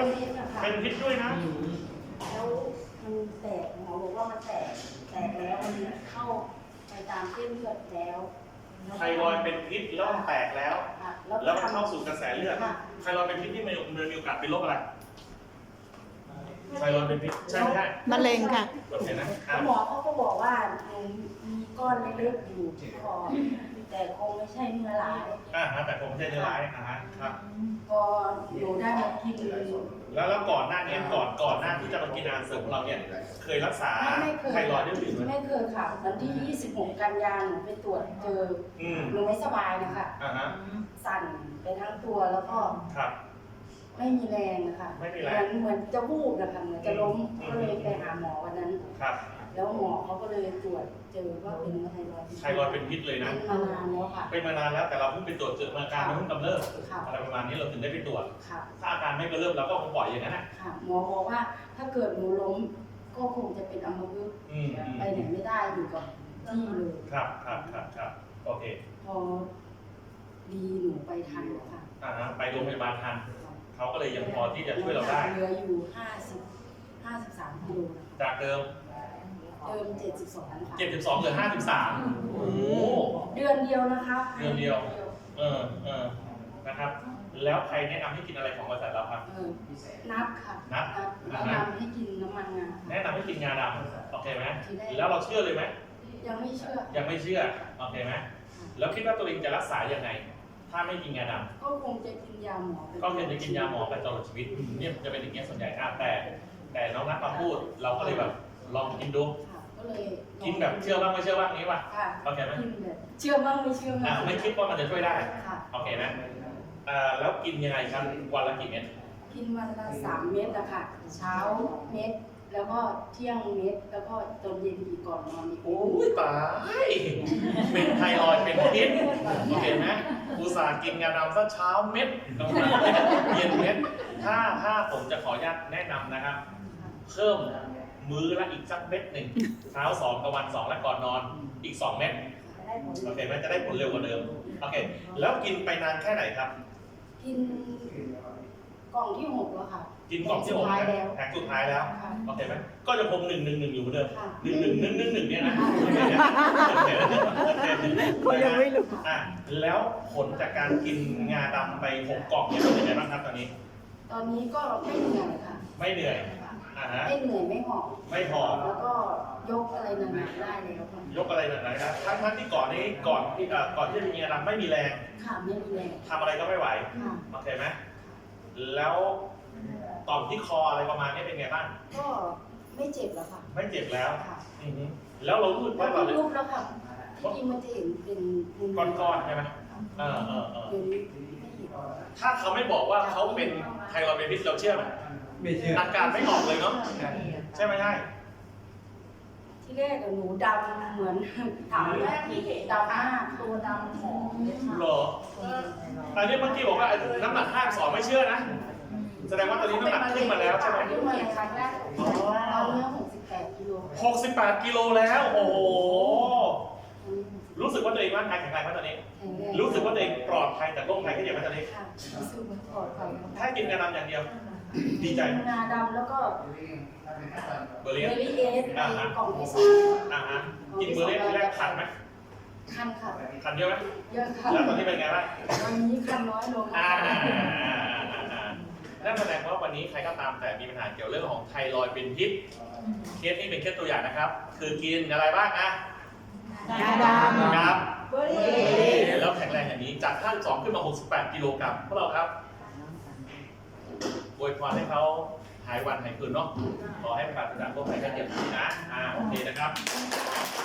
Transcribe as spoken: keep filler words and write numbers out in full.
เป็นพิษนะคะเป็นพิษด้วยนะแล้วมันแตกหมอบอกว่ามันแตกแตกแล้วมันเข้าไปตามเส้นเลือดแล้วไทรอยด์เป็นพิษแล้วมันแตกแล้วแล้วมันเข้าสู่กระแสเลือดไทรอยด์เป็นพิษที่มันมีโอกาสเป็นโรคอะไรไทรอยด์เป็นพิษใช่ไหมใช่มะเร็งค่ะโอเคนะหมอเขาก็บอกว่ามีก้อนเล็กๆอยู่ที่คอแต่คงไม่ใช่เนื้อร้ายอ่าฮะแต่คงไม่ใช่เนื้อร้ายอ่าฮะครับพอหนูได้มากินแล้วแล้วก่อนหน้านี้ก่อนก่อนหน้าที่จะมากินอาหารเสริมของเราเนี่ยเคยรักษาไทรอยด์ด้วยหรือไม่ไม่เคยค่ะวันที่ยี่สิบหกกันยายนหนูไปตรวจเจอหนูไม่สบายนะคะอ่าฮะสั่นไปทั้งตัวแล้วก็ครับไม่มีแรงนะคะไม่มีแรงเหมือนจะวูบนะคะเหมือนจะล้มก็เลยไปหาหมอวันนั้นครับแล้วหมอเขาก็เลยตรวจเจอว่าเป็นไทรอยด์ไทรอยด์เป็นพิษเลยนะเป็นมานานแล้วค่ะเป็นมานานแล้วแต่เราเพิ่งไปตรวจเจออาการมันเพิ่งกำเริบอะไรประมาณนี้เราถึงได้ไปตรวจถ้าอาการไม่กำเริบเราก็คงปล่อยอย่างนั้นนะหมอบอกว่าถ้าเกิดหนูล้มก็คงจะเป็นอัมพฤกษ์ไปไหนไม่ได้อยู่กับที่เลยครับครับครับครับโอเคพอดีหนูไปทันแล้วค่ะอ่าฮะไปโรงพยาบาลทันเขาก็เลยยังพอที่จะช่วยเราได้เหลืออยู่ห้าสิบห้าสิบสามกิโลจากเดิมเดิมเจ็ดสิบสองค่ะเจ็ดสิบสองเหลือห้าสิบสามโอ้เดือนเดียวนะคะเดือนเดียวเออเออนะครับแล้วใครแนะนำให้กินอะไรของบริษัทเราครับนับค่ะนับแนะนำให้กินน้ำมันงาแนะนำให้กินงาดำโอเคไหมแล้วเราเชื่อเลยไหมยังไม่เชื่อยังไม่เชื่อโอเคไหมแล้วคิดว่าตัวเองจะรักษายังไงถ้าไม่กินงาดำก็คงจะกินยาหมอก็คงจะกินยาหมอไปตลอดชีวิตเนี่ยจะเป็นอย่างเงี้ยส่วนใหญ่แต่แต่น้องนัทมาพูดเราก็เลยแบบลองกินดูกินแบบเชื่อบ้างไม่เชื่อบ้างนี้ป่ะโอเคไหมเชื่อบ้างไม่เชื่อบ้างไม่คิดว่ามันจะช่วยได้โอเคนะแล้วกินยังไงครับวันละกี่เม็ดกินวันละสามเม็ดนะคะเช้าเม็ดแล้วก็เที่ยงเม็ดแล้วก็ตอนเย็นอีกก่อนนอนอีกโอ้ยตายเป็นไทรอยด์เป็นพิษโอเคไหมอุตส่าห์กินงาดำซะเช้าเม็ดกลางวันเย็นเม็ดถ้าถ้าผมจะขออนุญาตแนะนำนะครับเพิ่มมื้อละอีกสักเม็ดหนึ่งเช้าสองกลางวันสองและก่อนนอนอีกสองเม็ดโอเคไหมจะได้ผลเร็วกว่าเดิมโอเคแล้วกินไปนานแค่ไหนครับกินกล่องที่หกแล้วค่ะกินกล่องที่หกแผงสุดท้ายแล้วโอเคไหมก็จะคงหนึ่งหนึ่งหนึ่งอยู่เหมือนเดิมหนึ่งหนึ่งหนึ่งหนึ่งหนึ่งเนี่ยนะก็ยังไม่รู้อ่ะแล้วผลจากการกินงาดำไปหกกล่องเนี่ยเป็นยังไงบ้างครับตอนนี้ตอนนี้ก็ไม่เหนื่อยค่ะไม่เหนื่อยไม่เหนื่อยไม่หอบไม่หอบแล้วก็ยกอะไรหนักๆได้เลยครับยกอะไรหนักๆนะทั้งทั้งที่ก่อนนี้ก่อนที่ก่อนที่จะมีงาดำไม่มีแรงค่ะไม่มีแรงทำอะไรก็ไม่ไหวโอเคไหมแล้วต่อมที่คออะไรประมาณนี้เป็นไงบ้างก็ไม่เจ็บแล้วค่ะไม่เจ็บแล้วแล้วเรารู้สึกว่าเราลุกแล้วค่ะที่จริงมันจะเห็นเป็นก้อนๆใช่ไหมเออเออเออถ้าเขาไม่บอกว่าเขาเป็นไทรอยด์เป็นพิษเราเชื่อไหมไม่เชื่ออาการไม่ออกเลยเนาะใช่ไหมใช่ที่แรกหนูดำเหมือนถามแรกที่เห็นดำมากตัวดำหอมเหรออันนี้เมื่อกี้บอกว่าน้ำหนักห้าสองไม่เชื่อนะแสดงว่าตอนนี้น้ำหนักขึ้นมาแล้วใช่ไหมขึ้นมาครั้งแรกตอนนี้หกสิบแปดกิโลหกสิบแปดกิโลแล้วโอ้โหรู้สึกว่าตัวเองร่างกายแข็งแรงไหมตอนนี้รู้สึกว่าตัวเองปลอดภัยจากโรคภัยที่เกี่ยวกับตอนนี้รู้สึกปลอดภัยแค่กินงาดำอย่างเดียวดีใจงาดำแล้วก็เบอร์เลียสกล่องที่สามอ่าฮะกินเบอร์เลียสที่แรกขันไหมคันค่ะคันเยอะไหมเยอะค่ะแล้วตอนนี้เป็นไงบ้างตอนนี้คันน้อยลงอ่านั่นแสดงว่าวันนี้ใครก็ตามแต่มีปัญหาเกี่ยวเรื่องของไทรอยด์เป็นพิษเคสนี้เป็นแค่ตัวอย่างนะครับคือกินอะไรบ้างอะงาดำครับแล้วแข็งแรงอย่างนี้จากห้าสิบสองขึ้นมาหกสิบแปดกิโลกรัมพวกเราครับอวยพรให้เขาหายวันหายคืนเนาะขอให้ผ่านจากโรคภัยไข้เจ็บนี้นะอ่าโอเคนะครับ